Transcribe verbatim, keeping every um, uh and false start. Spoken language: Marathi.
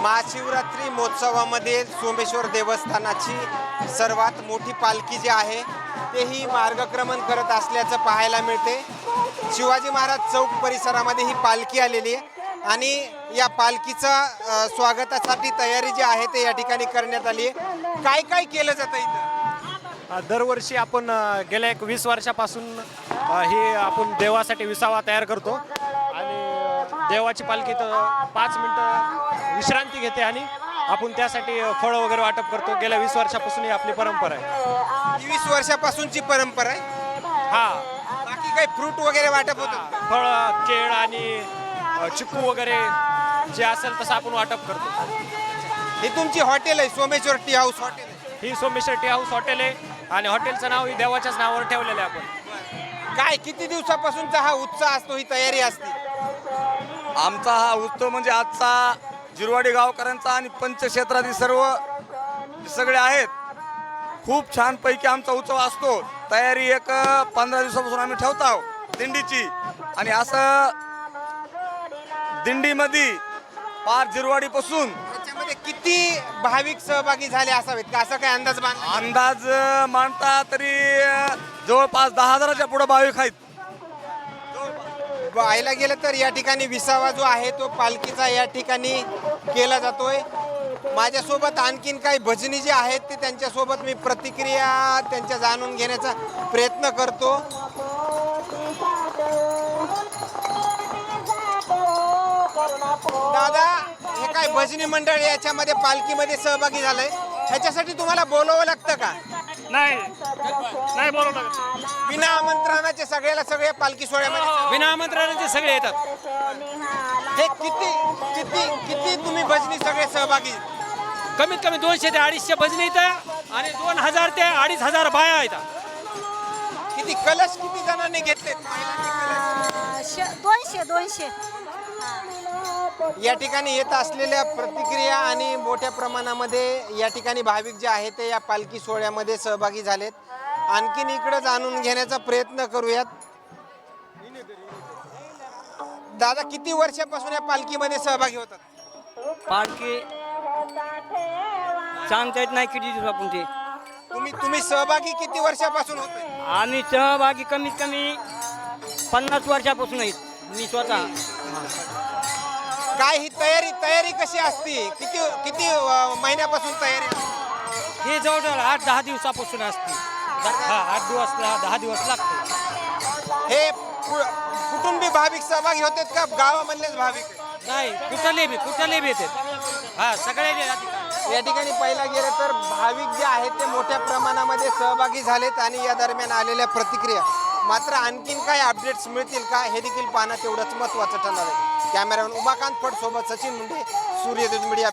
महाशिवरात्री महोत्सवामध्ये सोमेश्वर देवस्थानाची सर्वात मोठी पालखी जी आहे तेही मार्गक्रमण करत असल्याचं पाहायला मिळते। शिवाजी महाराज चौक परिसरामध्ये ही पालखी आलेली आहे आणि या पालखीचा स्वागतासाठी तयारी जी आहे ते या ठिकाणी करण्यात आली आहे। काय काय केलं जातं इथं? दरवर्षी आपण गेल्या एक वीस वर्षापासून हे आपण देवासाठी विसावा तयार करतो आणि देवाची पालखी तर पाच मिनटं विश्रांती घेते आणि आपण त्यासाठी फळं वगैरे वाटप करतो। गेल्या वीस वर्षापासून ही आपली परंपरा आहे। वीस वर्षापासूनची परंपरा आहे। हा, बाकी काही फ्रूट वगैरे वाटप होतं? फळं, केळ आणि चिकू वगैरे जे असेल तसं आपण वाटप करतो। ही तुमची हॉटेल आहे, सोमेश्वर टी हाऊस हॉटेल आहे? ही सोमेश्वर टी हाऊस हॉटेल आहे आणि हॉटेलचं नाव ही देवाच्याच नावावर ठेवलेलं आहे आपण। काय किती दिवसापासूनचा हा उत्साह असतो, ही तयारी असते? आमचा हा उत्सव म्हणजे आजचा जिरवाडी गावकऱ्यांचा आणि पंचक्षेत्रातील सर्व सगळे आहेत, खूप छानपैकी आमचा उत्सव असतो। तयारी एक पंधरा दिवसापासून आम्ही ठेवत आहोत दिंडीची आणि असं दिंडीमध्ये पार जिरवाडीपासून त्याच्यामध्ये किती भाविक सहभागी झाले असावेत का, असा काय अंदाज बांधला? अंदाज मानता तरी जवळपास दहा हजाराच्या पुढे भाविक आहेत। पाहायला गेलं तर या ठिकाणी विसावा जो आहे तो पालखीचा या ठिकाणी केला जातोय। माझ्यासोबत आणखीन काही भजनी जे आहेत ते त्यांच्यासोबत मी प्रतिक्रिया त्यांच्या जाणून घेण्याचा प्रयत्न करतो। दादा, हे काय भजनी मंडळ याच्यामध्ये पालखीमध्ये सहभागी झालंय, ह्याच्यासाठी तुम्हाला बोलावं लागतं का? नाही नाही बरोबर, बिना आमंत्रणाचे सगळ्याला सगळ्या पालखी सोहळ्यामध्ये बिना आमंत्रणाचे सगळे येतात। हे किती किती किती तुम्ही भजनी सगळे सहभागी? कमीत कमी दोनशे ते अडीचशे भजनी येतात आणि दोन हजार ते अडीच हजार बाया येतात। किती कलश किती जणांनी घेतले? दोनशे दोनशे या ठिकाणी येत असलेल्या प्रतिक्रिया आणि मोठ्या प्रमाणामध्ये या ठिकाणी भाविक जे आहेत ते या पालखी सोहळ्यामध्ये सहभागी झालेत। आणखीन इकडे जाणून घेण्याचा प्रयत्न करूयात। दादा, किती वर्षापासून या पालखीमध्ये सहभागी होतात? पालखी सांगता येत नाही किती दिवसापासून ते तुम्ही तुम्ही सहभागी किती वर्षापासून होते? आम्ही सहभागी कमीत कमी पन्नास वर्षापासून आहेत मी स्वतः। काय ही तयारी तयारी कशी असते? किती किती अ, महिन्यापासून तयारी असते? हे जवळजवळ आठ दहा दिवसापासून असते। हा, आठ दिवस दहा दिवस लागते। हे कु- कुटुंबी भाविक सहभागी होतात का गावामधलेच भाविक? नाही, कुठले बी कुठले बी येतात। हा, सगळे या ठिकाणी पाहिला गेलं तर भाविक जे आहेत ते मोठ्या प्रमाणामध्ये सहभागी झालेत आणि या दरम्यान आलेल्या प्रतिक्रिया मात्र आणखीन काही अपडेट्स मिळतील का हे देखील पाहणं तेवढंच महत्त्वाचं ठरणार आहे। कॅमेरामॅन उमाकांत फड सोबत सचिन मुंडे, सूर्यदूत मीडिया।